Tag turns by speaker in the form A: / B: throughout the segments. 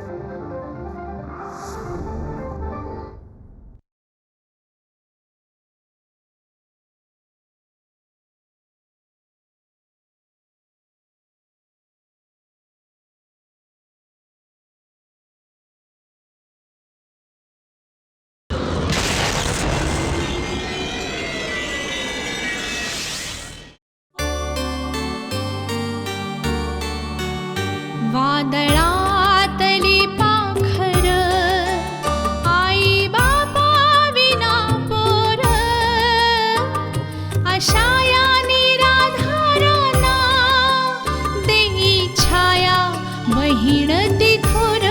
A: वादळातली पाखर आई बाबा विना पोर अशा या निराधारांना देई छाया बहीण तिथोर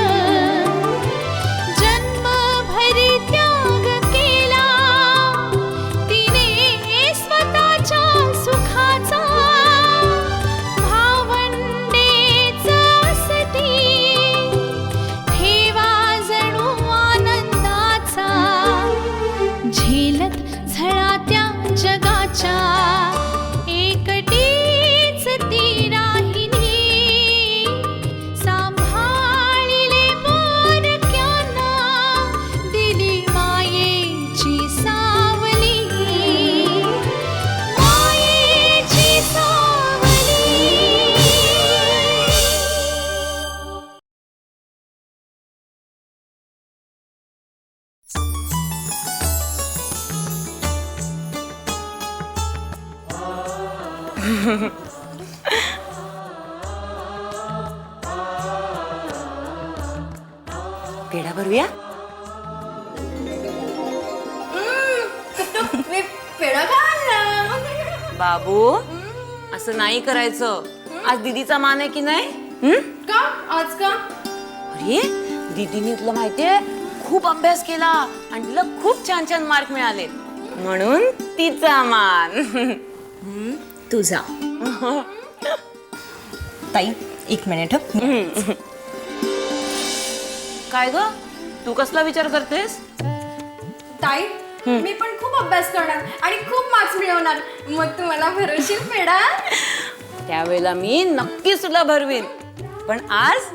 A: जन्मभरी त्याग केला तिने स्वतःच्या सुखाचा झेलत झळात्या जगाच्या एकटीच ती राहिली सांभाळिले पोरक्यांना दिली मायेची सावली मायेची सावली.
B: पेढा भरूया.
C: मी पेढा खाल्ला.
B: बाबू असं नाही करायचं. आज दीदीचा मान आहे की नाही?
C: का आज का?
B: अरे दीदीने तुला माहितीये खूप अभ्यास केला आणि तिला खूप छान छान मार्क मिळाले म्हणून तिचा मान.
D: तुझा. ताई एक मिनिट.
B: काय ग तू कसला विचार करतेस?
C: ताई मी पण खूप अभ्यास करणार आणि खूप मार्क्स मिळवणार. मग तू मला भरवशील पेढा?
B: त्यावेळेला मी नक्कीच तुला भरवीन. पण आज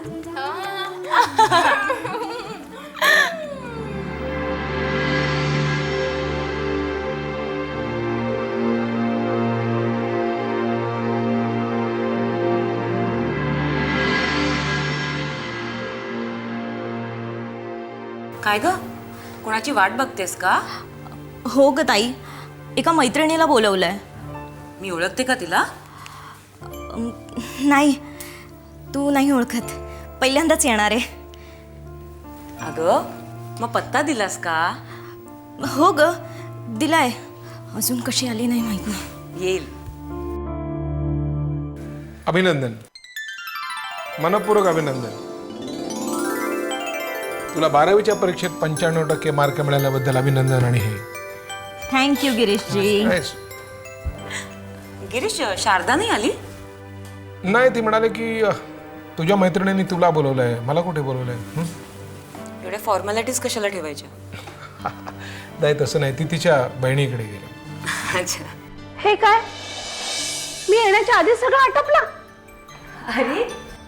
B: काय ग कोणाची वाट बघतेस का?
D: हो ग ताई, एका मैत्रिणीला बोलवलंय.
B: मी ओळखते का तिला?
D: नाही, तू नाही ओळखत. पहिल्यांदाच येणार आहे.
B: अगं मग पत्ता दिलास का?
D: हो ग दिलाय. अजून कशी आली नाही माहित नाही.
B: येईल.
E: अभिनंदन, मनपूर्वक अभिनंदन. तुला 12वीच्या परीक्षेत 95% मार्क मिळाल्याबद्दल अभिनंदन. आणि हे
D: थँक्यू गिरीशजी.
B: गिरीश शारदा नाही आली?
E: नाही, ती म्हणाले की तुझ्या मैत्रिणींनी तुला बोलवलंय, मला कुठे बोलवलंय.
B: एवढ्या फॉर्मॅलिटीज कशाला ठेवायच्या?
E: नाही तसं नाही, ती तिच्या बहिणीकडे गेली.
B: अच्छा.
F: हे काय, मी येण्याच्या आधी सगळं आटपलं.
B: अरे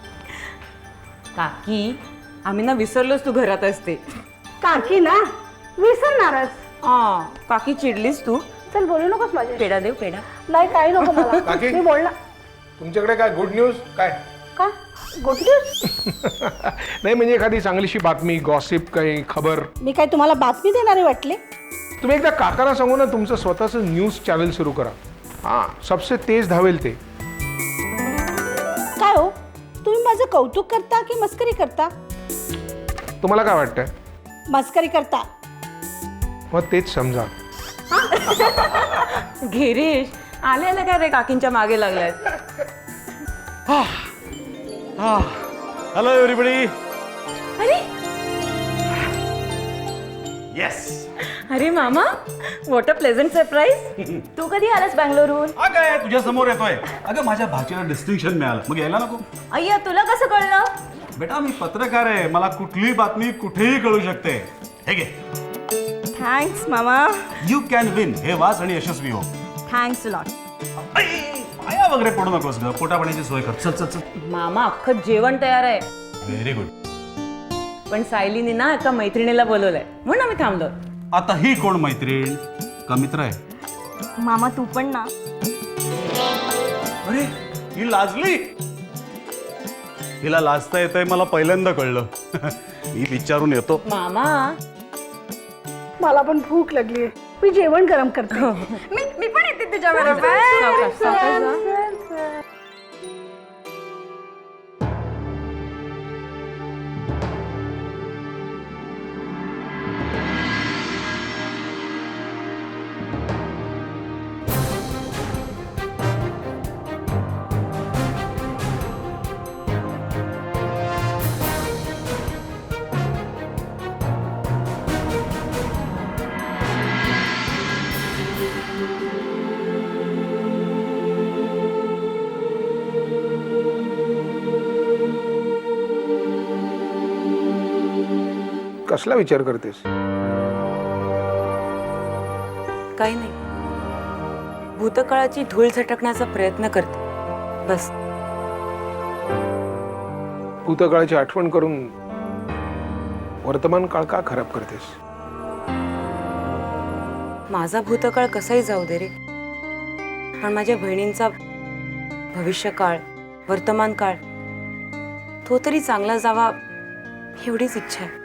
B: काकी आम्ही ना विसरलोच तू घरात असते.
F: काकी ना विसरणारच.
B: काकी चिडलीस तू?
F: चल बोलू नकोस माझ्या.
B: पेढा देऊ पेढा?
F: नाही काही नको मला.
E: काकी?
F: मी बोलणार.
E: तुमच्याकडे काय गुड न्यूज? काय
F: का गुड न्यूज?
E: नाही म्हणजे एखादी चांगलीशी बातमी, गॉसिप, काही खबर.
F: मी काय तुम्हाला बातमी देणारे वाटले?
E: तुम्ही एकदा काकांना सांगू ना तुमचं स्वतःचं न्यूज चॅनल सुरू करा. हां, सबसे तेज धावेल ते.
F: काय हो, तुम्ही माझं कौतुक करता की मस्करी करता?
E: तुम्हाला काय वाटतंय?
F: मस्करी करता.
E: मग तेच समजा.
B: गिरीश आलेला काय रे काकींच्या मागे लागलाय?
G: Hello everybody.
B: अरे
G: येस.
B: अरे मामा, व्हॉट अ प्लेझंट सरप्राईज. तू कधी आलास बँगलोरहून?
G: हा काय तुझ्या समोर येतोय. अगं माझ्या भाचीला डिस्टिंक्शन मिळालं, मग यायला नको?
D: अय्या, तुला कसं कळलं?
G: बेटा मी पत्रकार आहे, मला कुठलीही बातमी कुठेही कळू शकते. हे घे.
D: थँक्स मामा.
G: You can win. हे वाच आणि यशस्वी हो.
D: Thanks lot.
G: पाया वगैरे पडू नकोस ग, पोटा पाण्याची सोय कर. चल चल चल.
B: मामा अख्खं जेवण तयार आहे.
G: Very good.
B: पण सायलीने ना एका मैत्रिणीला बोलवलंय म्हणून आम्ही थांबलो.
G: आता ही कोण मैत्रीण का मित्र आहे?
D: मामा तू पण ना.
G: अरे ही लाजली. हिला लाजता येतंय मला पहिल्यांदा कळलं. ही विचारून येतो.
B: मामा
F: मला पण भूक लागली मी जेवण गरम करते.
C: मी पण येते तुझ्या बरोबर.
B: सावकाश, सावकाश जा.
E: कसला विचार करतेस?
B: काही नाही, भूतकाळाची धूळ झटकण्याचा प्रयत्न करते बस.
E: भूतकाळाची आठवण करून वर्तमान काळ का खराब करतेस?
B: माझा भूतकाळ कसाही जाऊ दे रे, पण माझ्या बहिणींचा भविष्यकाळ वर्तमान काळ तो तरी चांगला जावा एवढीच इच्छा आहे.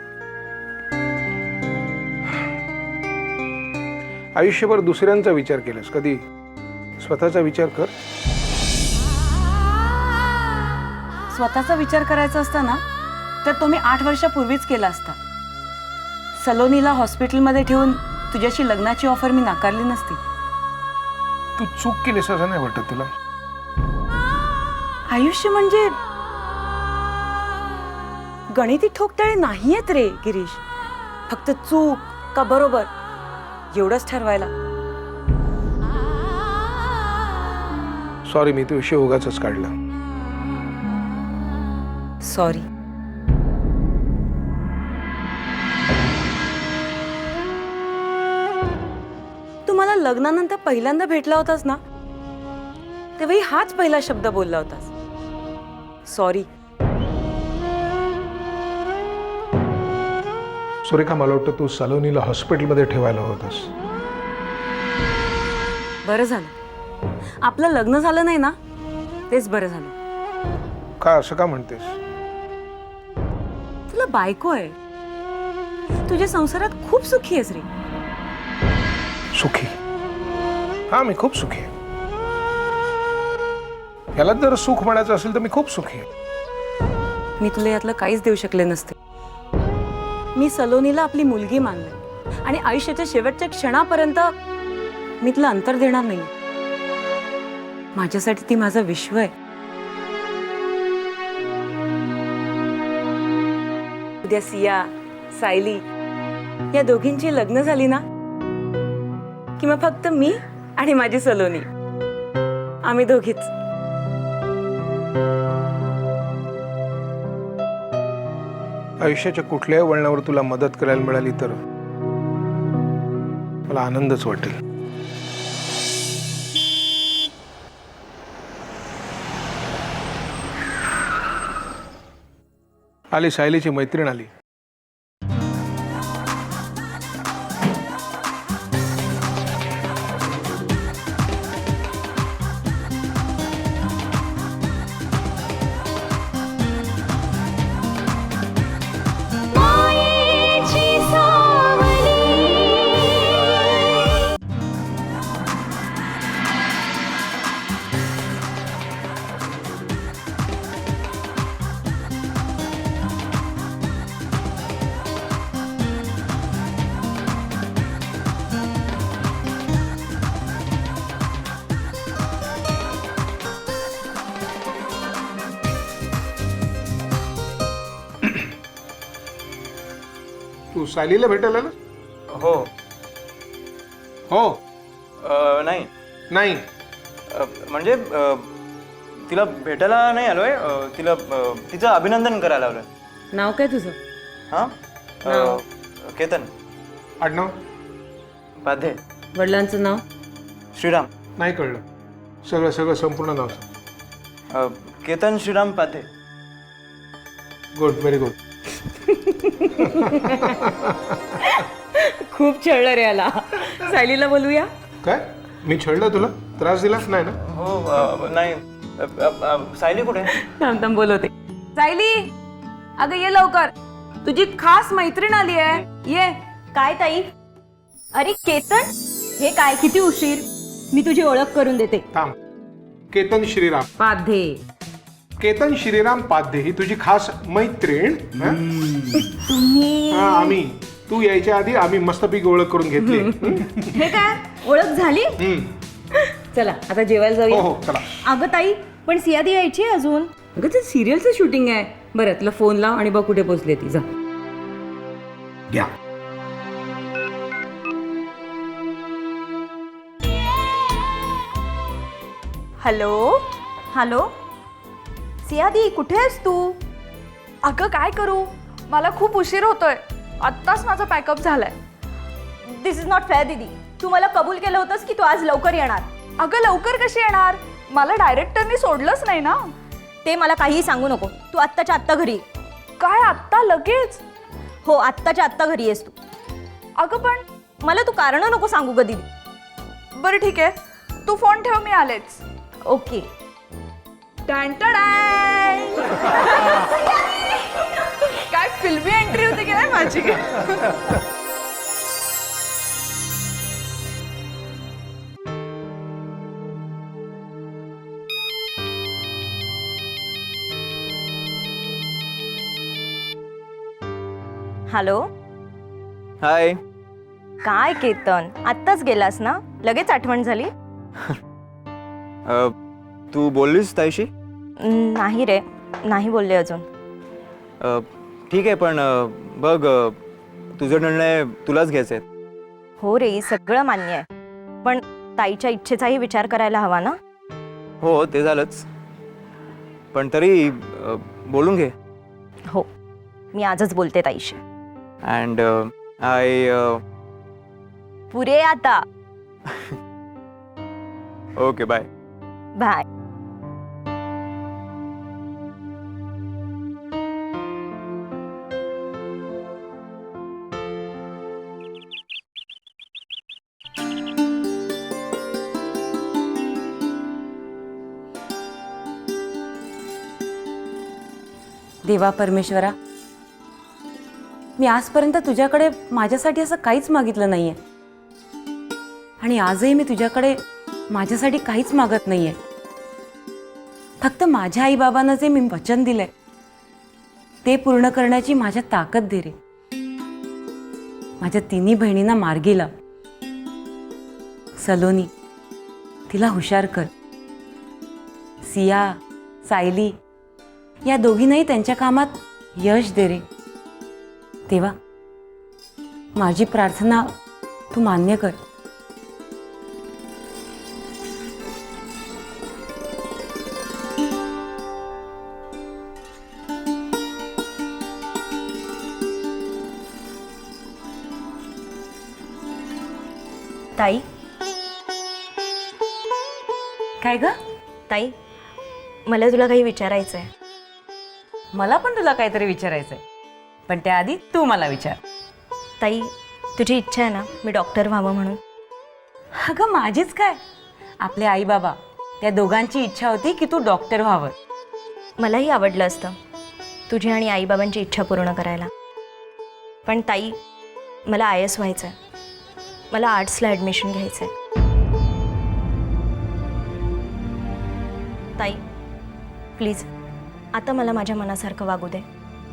E: आयुष्यभर दुसऱ्यांचा विचार केलास, कधी स्वतःचा विचार कर.
B: स्वतःचा विचार करायचा असता ना तर तो मी 8 वर्षापूर्वीच केला असता. सलोनीला हॉस्पिटलमध्ये ठेवून तुझ्याशी लग्नाची ऑफर मी नाकारली नसती.
E: तू चूक केलीस असं नाही वाटत तुला?
B: आयुष्य म्हणजे गणिती ठोकताळे नाहीयेत रे गिरीश. फक्त चूक का बरोबर एवढंच ठरवायला.
E: सॉरी, मी तो विषय उगाचच काढला.
B: सॉरी. तू मला लग्नानंतर पहिल्यांदा भेटला होतास ना तेव्हाही हाच पहिला शब्द बोलला होतास, सॉरी.
E: सुरेखा, मला वाटतं तू सलोनीला हॉस्पिटलमध्ये ठेवायला होतास.
B: बरं झालं आपलं लग्न झालं नाही ना, तेच बरं झालं.
E: का असं का म्हणतेस?
B: तुला बायको आहे, तुझ्या संसारात खूप सुखी आहेस रे.
E: सुखी? हा, मी खूप सुखी आहे. याला जर सुख म्हणायचं असेल तर मी खूप सुखी आहे.
B: मी तुला यातलं काहीच देऊ शकले नसते. मी सलोनीला आपली मुलगी मानले आणि आयुष्याच्या शेवटच्या क्षणापर्यंत मी तुला अंतर देणार नाही. माझ्यासाठी ती माझं विश्व आहे. उद्या सिया, सायली या दोघींची लग्न झाली ना की मग फक्त मी आणि माझी सलोनी, आम्ही दोघीच.
E: आयुष्याच्या कुठल्याही वळणावर तुला मदत करायला मिळाली तर मला आनंदच वाटेल. आली, सायलीची मैत्रीण आली.
A: मायेची सावली
E: तू सायलीला भेटायला आलास?
H: हो.
E: हो.
H: नाही
E: नाही.
H: म्हणजे तिला भेटायला नाही आलोय. तिला तिचं अभिनंदन करायला आलोय.
B: नाव काय तुझं?
H: हां. केतन
E: आडनाव?
H: पाधे.
B: वडिलांचं नाव?
H: श्रीराम.
E: नाही कळलं. सगळं संपूर्ण नाव सांग.
H: Ketan Shriram Padhe.
E: Good, very good.
B: खूप छळलं रे याला. सायलीला बोलूया.
E: काय मी छळलं तुला? त्रास दिला नाही ना?
H: हो नाही सायली कुठे?
B: थांब थांब बोलवते. सायली अगं ये लवकर, तुझी खास मैत्रीण आली आहे, ये.
D: काय ताई? अरे केतन, हे काय किती उशीर? मी तुझी ओळख करून देते.
E: थांब. केतन श्रीराम.
B: पाधे.
E: केतन श्रीराम पाध्ये ही तुझी खास मैत्रीण. हं? हा, आम्ही तू यायच्या आधी आम्ही मस्तपैकी ओळख करून घेतली.
D: हे काय ओळख झाली?
B: चला आता जेवायला
E: हो
B: जाऊया.
E: हो चला.
D: अगं ताई, पण सियादी यायची आहे अजून.
B: अगं ते सिरियलचं शूटिंग आहे. बरं तुला फोन लाव आणि बघ कुठे पोचले ती. जा.
E: घ्या.
D: हॅलो हॅलो सियादी, कुठे आहेस तू?
C: अगं काय करू, मला खूप उशीर होतोय. आत्ताच माझा पॅकअप झालाय.
D: दिस इज नॉट फेअर दीदी. तू मला कबूल केलं होतंस की तू आज लवकर येणार.
C: अगं लवकर कशी येणार, मला डायरेक्टरनी सोडलंच नाही ना.
D: ते मला काहीही सांगू नको. तू आत्ताच्या आत्ता घरी ये.
C: काय आत्ता लगेच?
D: हो, आत्ताच्या आत्ता घरी येस तू.
C: अगं पण
D: मला तू कारण नको सांगू ग दीदी.
C: बरं ठीक आहे, तू फोन ठेव, मी आलेच.
D: ओके.
C: काय फिल्मी एंट्री होती की नाही माझी.
D: हॅलो.
H: हाय.
D: काय केतन, आत्ताच गेलास ना? लगेच आठवण झाली?
H: तू बोललीस ताईशी?
D: नाही रे, नाही बोलले अजून.
H: ठीक आहे पण बघ तुझा निर्णय तुलाच घ्यायचा आहे.
D: हो रे, सगळं मान्य आहे, पण ताईच्या इच्छेचाही विचार करायला हवा ना.
H: हो ते झालंच, पण तरी बोलून घे.
D: हो, मी आजच बोलते ताईशी.
H: अँड आय
D: पुरे आता.
H: Okay bye.
D: बाय.
B: देवा परमेश्वरा, मी आजपर्यंत तुझ्याकडे माझ्यासाठी असं काहीच मागितलं नाहीये आणि आजही मी तुझ्याकडे माझ्यासाठी काहीच मागत नाहीये. फक्त माझ्या आईबाबांना जे मी वचन दिलंय ते पूर्ण करण्याची माझ्या ताकद दे रे. माझ्या तिन्ही बहिणींना मार्गी लाव. सलोनी, तिला हुशार कर. सिया, सायली या दोघींनाही त्यांच्या कामात यश दे रे. तेव्हा माझी प्रार्थना तू मान्य कर.
D: ताई.
B: काय ग?
D: ताई, मला तुला काही विचारायचं आहे.
B: मला पण तुला काहीतरी विचारायचंय, पण त्याआधी तू मला विचार.
D: ताई, तुझी इच्छा आहे ना मी डॉक्टर व्हावं म्हणून?
B: अगं माझीच काय, आपले आई बाबा त्या दोघांची इच्छा होती की तू डॉक्टर व्हावं.
D: मलाही आवडलं असतं तुझी आणि आईबाबांची इच्छा पूर्ण करायला, पण ताई मला IAS व्हायचं आहे. मला आर्ट्सला ॲडमिशन घ्यायचं आहे. ताई प्लीज आता मला माझ्या मनासारखं वागू दे.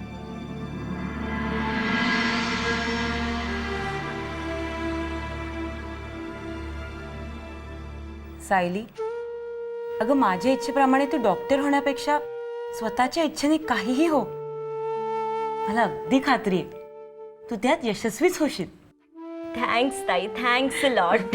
B: सायली, अगं माझ्या इच्छेप्रमाणे तू डॉक्टर होण्यापेक्षा स्वतःच्या इच्छेने काहीही हो. मला अगदी खात्री आहे तू त्यात यशस्वीच होशील.
D: थँक्स ताई, थँक्स लॉट.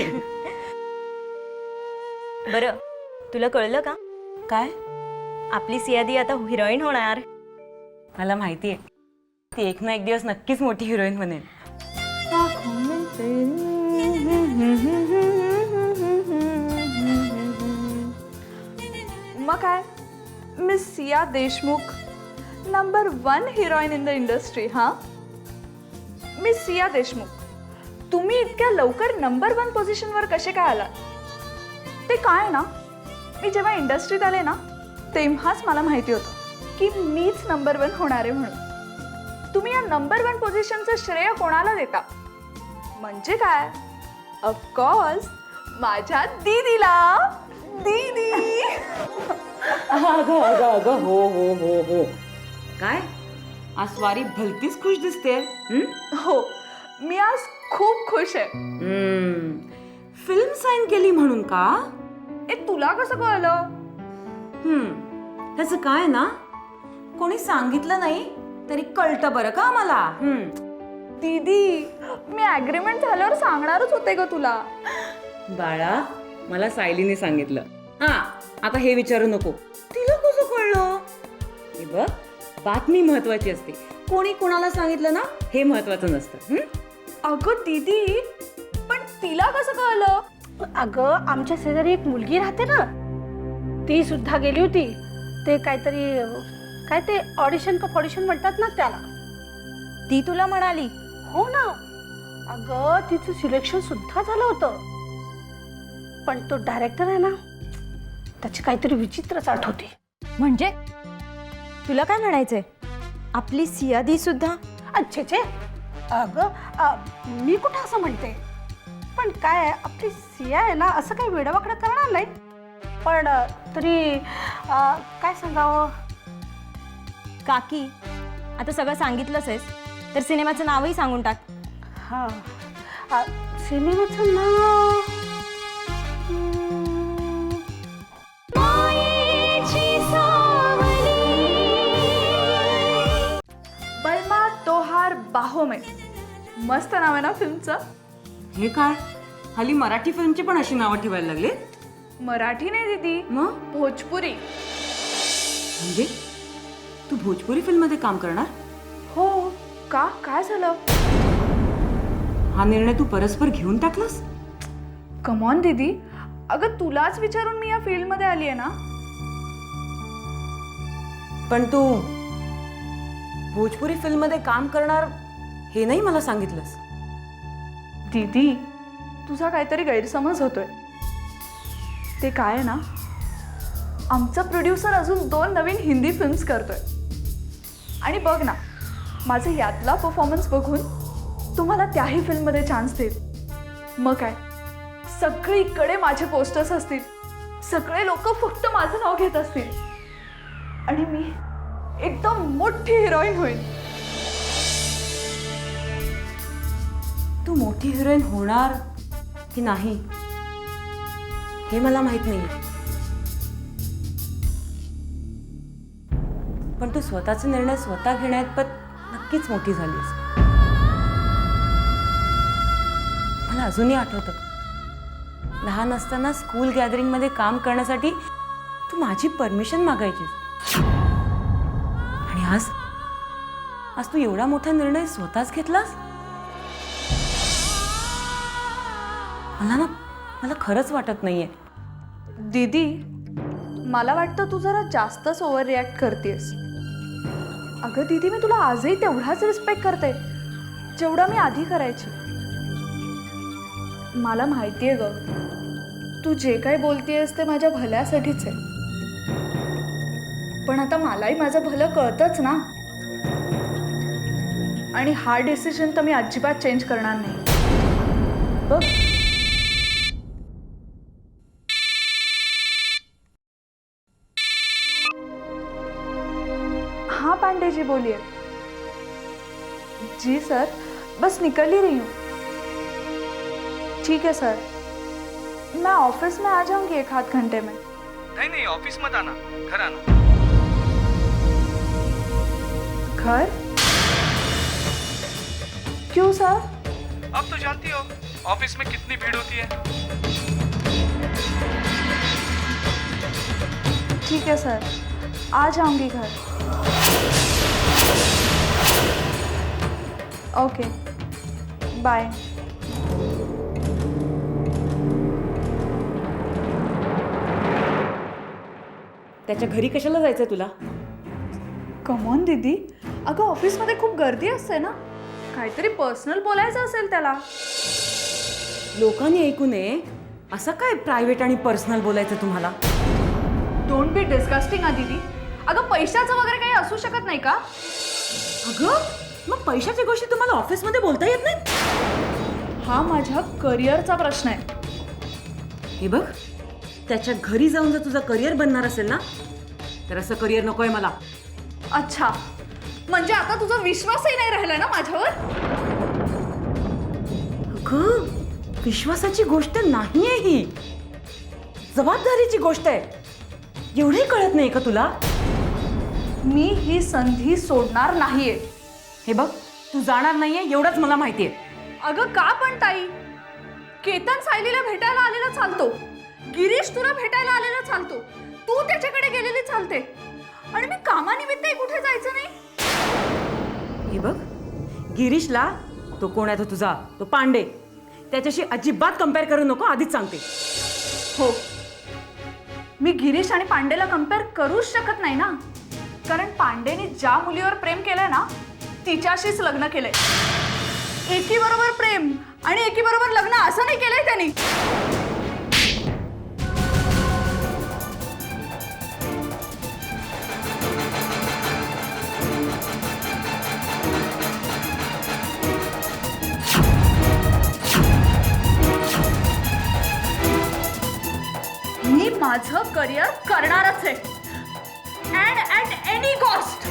D: बरं, तुला कळलं का
B: काय?
D: आपली सियादी आता हिरोईन होणार.
B: मला माहिती आहे, ती एक ना एक दिवस नक्कीच मोठी हिरोईन बनेल.
C: मग काय, miss Siya Deshmukh
I: number 1 heroine in the industry. हां, मी सिया देशमुख. तुम्ही इतक्या लवकर नंबर 1 पोझिशनवर कसे काय आलात? ते काय ना, मी जेव्हा इंडस्ट्रीत आले ना तेव्हाच मला माहिती होतं की मीच नंबर 1 होणार आहे म्हणून. तुम्ही या नंबर 1 पोझिशनचं श्रेय कोणाला देता? म्हणजे काय, ऑफकोर्स माझ्या दीदीला. दीदी.
B: अगं अगं अगं हो हो हो हो. काय आज स्वारी भलतीच खुश दिसते.
I: हो, मी आज खूप खुश आहे.
B: फिल्म साईन केली म्हणून का?
I: तुला कसं कळलं?
B: त्याचं काय ना, कोणी सांगितलं नाही तरी कळतं बरं का मला.
I: दीदी, मी ॲग्रीमेंट झाल्यावर सांगणारच होते ग तुला.
B: बाळा, मला सायलीने सांगितलं. आता हे विचारू नको तिला कसं कळलं. हे बघ, बातमी महत्वाची असते, कोणी कोणाला सांगितलं ना हे महत्वाचं नसतं.
I: अगं दीदी, पण तिला कसं कळलं?
F: अगं, आमच्या शेजारी एक मुलगी राहते ना, ती सुद्धा गेली होती. ते काहीतरी काय ते ऑडिशन का फॉडिशन म्हणतात ना त्याला.
D: ती तुला म्हणाली?
F: हो ना. अगं, तिचं सिलेक्शन सुद्धा झालं होतं, पण तो डायरेक्टर आहे ना, त्याची काहीतरी विचित्रच आठवते.
D: म्हणजे तुला काय म्हणायचंय, आपली सियादी सुद्धा?
F: अच्छे, अगं मी कुठं असं म्हणते, पण काय आपली सिया आहे ना असं काही वेडवाकडं करणार नाही, पण तरी काय सांगावं.
D: काकी, आता सगळं सांगितलंच आहेस तर सिनेमाचं नावही सांगून टाक.
F: हां, सिनेमाचं नाव
A: मायेची सावली.
I: बलमा तोहार बाहो में. मस्त नाव आहे ना फिल्मचं.
B: हे काय, हल्ली मराठी फिल्मची पण अशी नावं ठेवायला लागले?
I: मराठी नाही दीदी,
B: मग
I: भोजपुरी.
B: म्हणजे तू भोजपुरी फिल्म मध्ये काम करणार?
I: हो का, काय झालं?
B: हा निर्णय तू परस्पर घेऊन टाकलास?
I: कमॉन दीदी, अगं तुलाच विचारून मी या फील्डमध्ये आली आहे ना.
B: पण तू भोजपुरी फिल्म मध्ये काम करणार हे नाही मला सांगितलंस.
I: दीदी, तुझा काहीतरी गैरसमज होतोय. ते काय आहे ना, आमचा प्रोड्युसर अजून 2 नवीन हिंदी फिल्म्स करतोय. आणि बघ ना, माझं यातला परफॉर्मन्स बघून तुम्हाला त्याही फिल्ममध्ये चान्स देईल. मग काय, सगळीकडे माझे पोस्टर्स असतील, सगळे लोक फक्त माझं नाव घेत असतील आणि मी एकदम मोठी हिरोईन होईल.
B: तू मोठी हिरोईन होणार की नाही हे मला माहित नाही, पण तू स्वतःचे निर्णय स्वतः घेण्यात नक्कीच मोठी झालीस. मला अजूनही आठवतं, लहान असताना स्कूल गॅदरिंग मध्ये काम करण्यासाठी तू माझी परमिशन मागायचीस, आणि आज तू एवढा मोठा निर्णय स्वतःच घेतलास. मला खरंच वाटत नाहीये.
I: दीदी, मला वाटतं तू जरा जास्तच ओव्हर रिॲक्ट करतेस. अगं दीदी, मी तुला आजही तेवढाच रिस्पेक्ट करते जेवढा मी आधी करायची. मला माहिती आहे ग, तू जे काही बोलतेस ते माझ्या भल्यासाठीच आहे, पण आता मलाही माझं भलं कळतंच ना. आणि हा डिसिजन तर मी अजिबात चेंज करणार नाही.
B: बघ,
I: हाँ पांडे जी, बोलिए. जी सर, बस निकल ही रही हूँ. ठीक है सर, मैं ऑफिस में आ जाऊंगी 1 आध घंटे में.
J: नहीं, ऑफिस मत आना, घर आना.
I: घर? क्यों सर?
J: अब तो जानती हो ऑफिस में कितनी भीड़ होती है.
I: ठीक है सर, आ जाऊंगी घर. Okay, bye.
B: त्याच्या घरी कशाला जायचंय तुला?
I: कमॉन दीदी, अगं ऑफिसमध्ये खूप गर्दी असते ना, काहीतरी पर्सनल बोलायचं असेल त्याला.
B: लोकांनी ऐकू नये असं काय प्रायव्हेट आणि पर्सनल बोलायचं तुम्हाला?
I: डोंट बी डिस्गस्टिंग दीदी. अगं पैशाचं वगैरे काही असू शकत नाही का?
B: अगं मग पैशाच्या गोष्टी तुम्हाला ऑफिसमध्ये बोलता येत नाहीत?
I: हा माझ्या करिअरचा प्रश्न आहे.
B: हे बघ, त्याच्या घरी जाऊन जर तुझं करिअर बनणार असेल ना, तर असं करिअर नकोय मला.
I: अच्छा, म्हणजे आता तुझा विश्वासही नाही राहिला ना माझ्यावर?
B: अगं विश्वासाची गोष्ट नाहीये ही, जबाबदारीची गोष्ट आहे. एवढंही कळत नाही का तुला?
I: मी ही संधी सोडणार नाहीये.
B: हे बघ, तू जाणार नाहीये एवढंच मला माहितीये.
I: अगं का पण ताई, केतन सायलीला भेटायला आलेला चालतो, गिरीश तुला भेटायला आलेला चालतो, तू त्याच्याकडे गेलेली चालते, आणि मी कामानिमित्तही कुठे जायचं नाही.
B: हे बघ, गिरीशला, तो कोण आहे तो तुझा, तो पांडे, त्याच्याशी अजिबात कम्पेअर करू नको, आधीच सांगते.
I: हो, मी गिरीश आणि पांडेला कम्पेअर करूच शकत नाही ना, कारण पांडेने ज्या मुलीवर प्रेम केलंय ना, तिच्याशीच लग्न केलंय. एकीबरोबर प्रेम आणि एकीबरोबर लग्न असं नाही केलंय त्यांनी. मी माझं करिअर करणारच आहे, अँड ॲट एनी कॉस्ट.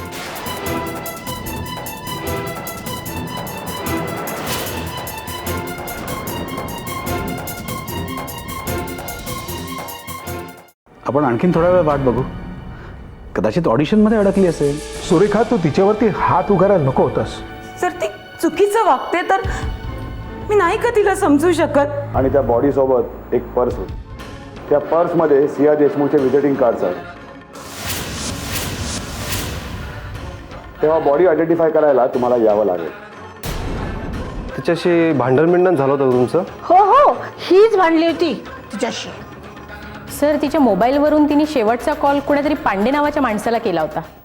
K: आपण आणखीन थोडा वेळ वाट बघू. कदाचित ऑडिशनमध्ये अडकली असेल.
E: सुरेखा, तू तिच्यावरती हात उगारायला नको होतास.
B: जर ती चुकीचं वागते तर मी नाही का तिला समजू शकत?
K: आणि त्या बॉडीसोबत एक पर्स होती. त्या पर्समध्ये सिया देशमुखचे व्हिजिटिंग कार्ड्स आहेत. तेव्हा बॉडी आयडेंटिफाय करायला तुम्हाला यावं लागेल.
H: तिच्याशी भांडण झालं होतं तुमचं?
F: हो हो, हीच भांडली होती तिच्याशी.
L: सर, तिच्या मोबाईलवरून तिने शेवटचा कॉल कुणातरी पांडे नावाच्या माणसाला केला होता.